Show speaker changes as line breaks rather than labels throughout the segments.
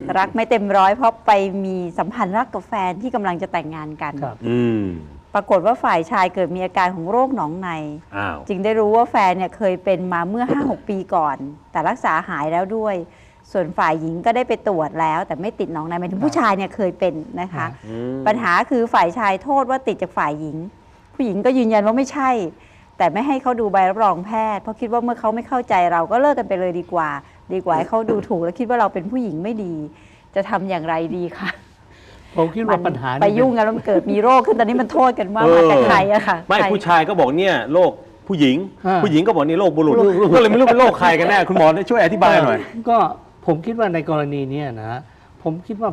รักไม่เต็มร้อยเพราะไปมีสัมพันธ์รักกับแฟนที่กำลังจะแต่งงานกัน ปรากฏว่าฝ่ายชายเกิดมีอาการของโรคหนองในจึงได้รู้ว่าแฟนเนี่ยเคยเป็นมาเมื่อ 5-6 ปีก่อน แต่รักษาหายแล้วด้วย ส่วนฝ่ายหญิงก็ได้ไปตรวจแล้ว แต่ไม่ติดหนองในหมายถึงผู้ชายเนี่ยเคยเป็นนะคะปัญหาคือฝ่ายชายโทษว่าติดจากฝ่ายหญิง ผู้หญิงก็ยืนยันว่าไม่ใช่ แต่ไม่ให้เขาดูใบรับรองแพทย์เพราะคิดว่าเมื่อเขาไม่เข้าใจเราก็เลิกกันไปเลยดีกว่าให้เขาดูถูกแล้วคิดว่าเราเป็นผู้หญิงไม่ดี จะทำอย่างไรดีคะ
ผมคิดว่าปัญหา
ไปยุ่งกันแล้วมันเกิดมีโรคขึ้นตอนนี้มันโทษกันว่ามาจากใครอะค่ะ
ไม่ผู้ชายก็บอกเนี่ยโรคผู้หญิงก็บอกนี่โรคบุรุษก็เลยไม่รู้เป็นโรคใครกันแน่คุณหมอช่วยอธิบายหน่อย
ก็ผมคิดว่าในกรณีนี้นะผมคิดว่า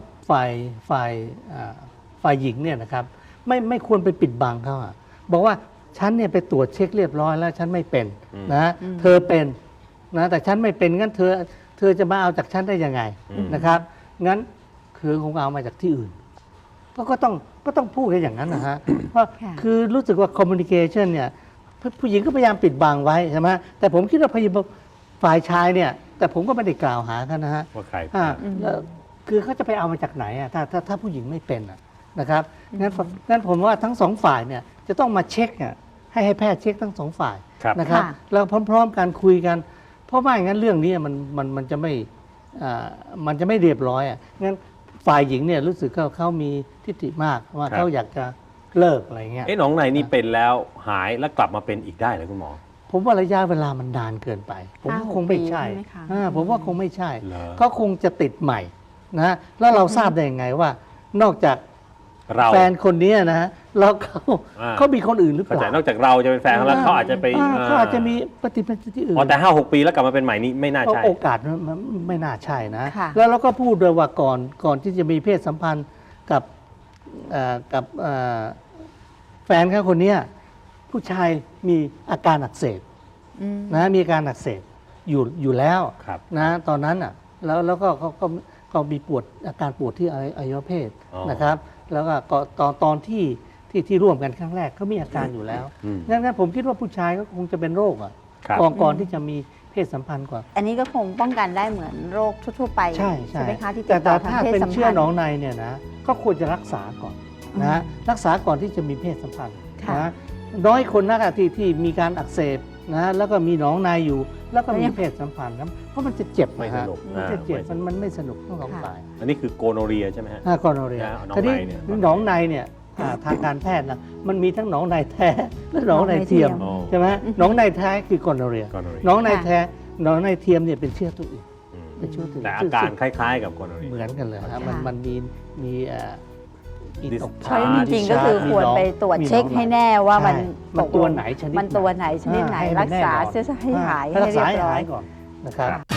ฝ่ายหญิงเนี่ยนะครับไม่ควรไปปิดบังเขาอะบอกว่าฉันเนี่ยไปตรวจเช็คเรียบร้อยแล้วฉันไม่เป็นนะเธอเป็นนะแต่ฉันไม่เป็นงั้นเธอจะมาเอาจากฉันได้ยังไงนะครับงั้นคือคงเอามาจากที่อื่นก็ต้องพูดกันอย่างนั้นนะฮะเพราะคือรู้สึกว่า communication เนี่ยผู้หญิงก็พยายามปิดบังไว้ใช่ไหมแต่ผมคิดว่าฝ่ายชายเนี่ยแต่ผมก็ไม่ได้กล่าวหากันนะฮะ
ว่าใคร
คือเขาจะไปเอามาจากไหนอ่ะถ้าผู้หญิงไม่เป็นนะครับงั้นผมว่าทั้งสองฝ่ายเนี่ยจะต้องมาเช็คให้แพทย์เช็คทั้งสองฝ่ายนะครับแล้วพร้อมๆกันคุยกันเพราะว่าอย่างนั้นเรื่องนี้มันจะไม่เรียบร้อยอ่ะงั้นฝ่ายหญิงเนี่ยรู้สึกเขามีทิฏฐิมากว่าเขาอยากจะเลิกอะไรเงี้ย
หนองในนี่เป็นแล้วหายแล้วกลับมาเป็นอีกได้เลยคุณหมอ
ผมว่าระยะเวลามันนานเกินไปผมว่าคงไม่ใช่ผมว่าคงไม่ใช่เขาคงจะติดใหม่นะแล้วเราทราบได้ยังไงว่านอกจากแฟนคนนี้นะฮะแล้วเขามีคนอื่นหรือเปล่าน
อกจากเราจะเป็นแฟนแล้วเขาอาจจะไป
เขาอาจจะมีปฏิบัติที่อื่น
แต่5-6 ปีแล้วกลับมาเป็นใหม่นี้ไม่น่าใช่
โอกาสไม่น่าใช่นะแล้วเราก็พูดด้วยว่าก่อนที่จะมีเพศสัมพันธ์กับแฟนเขาคนนี้ผู้ชายมีอาการอักเสบนะมีอาการอักเสบอยู่แล้วนะตอนนั้นอ่ะแล้วก็มีอาการปวดที่อวัยวะเพศนะครับแล้วก็ตอนที่ร่วมกันครั้งแรกเขามีอาการอยู่แล้วงั้นผมคิดว่าผู้ชายก็คงจะเป็นโรคก่อนที่จะมีเพศสัมพันธ์ก่อน
อันนี้ก็คงป้องกันได้เหมือนโรคทั่วไป
ใช่
ไหมคะที่ติ
ด
ต่อทาง
เพศสัมพันธ์แต่ถ้าเป็นเชื้อหนองในเนี่ยนะก็ควรจะรักษาก่อนนะรักษาก่อนที่จะมีเพศสัมพันธ์นะน้อยคนนักที่มีการอักเสบนะแล้วก็มีหนองในอยู่แล้วก็มีเพศสัมพันธ์นะเพราะมันจะเจ็บ
ไม่สนุก
มันจะเจ็บมันไม่สนุกทั้งสองฝ่าย
อันนี้คือโกโนเรียใช่ไหมฮะ
โกโนเรียทีนี้หนองในเนี่ยทางการแพทย์นะมันมีทั้งหนองในแท้และหนองในเทียมใช่ไหมหนองในแท้คือโกโนเรียหนองในแท้หนองในเทียมเนี่ยเป็นเชื้อตัวอื่น
แต่อาการคล้ายๆกับโกโนเรีย
เหมือนกันเลยครับมันมี
ใช่จริงๆก็คือควรไปตรวจเช็คให้แน่ว่ามัน
ตัวไหนชนิด
ไหนรักษาให้หายให้เรียบร้อย
ก่อนนะครับ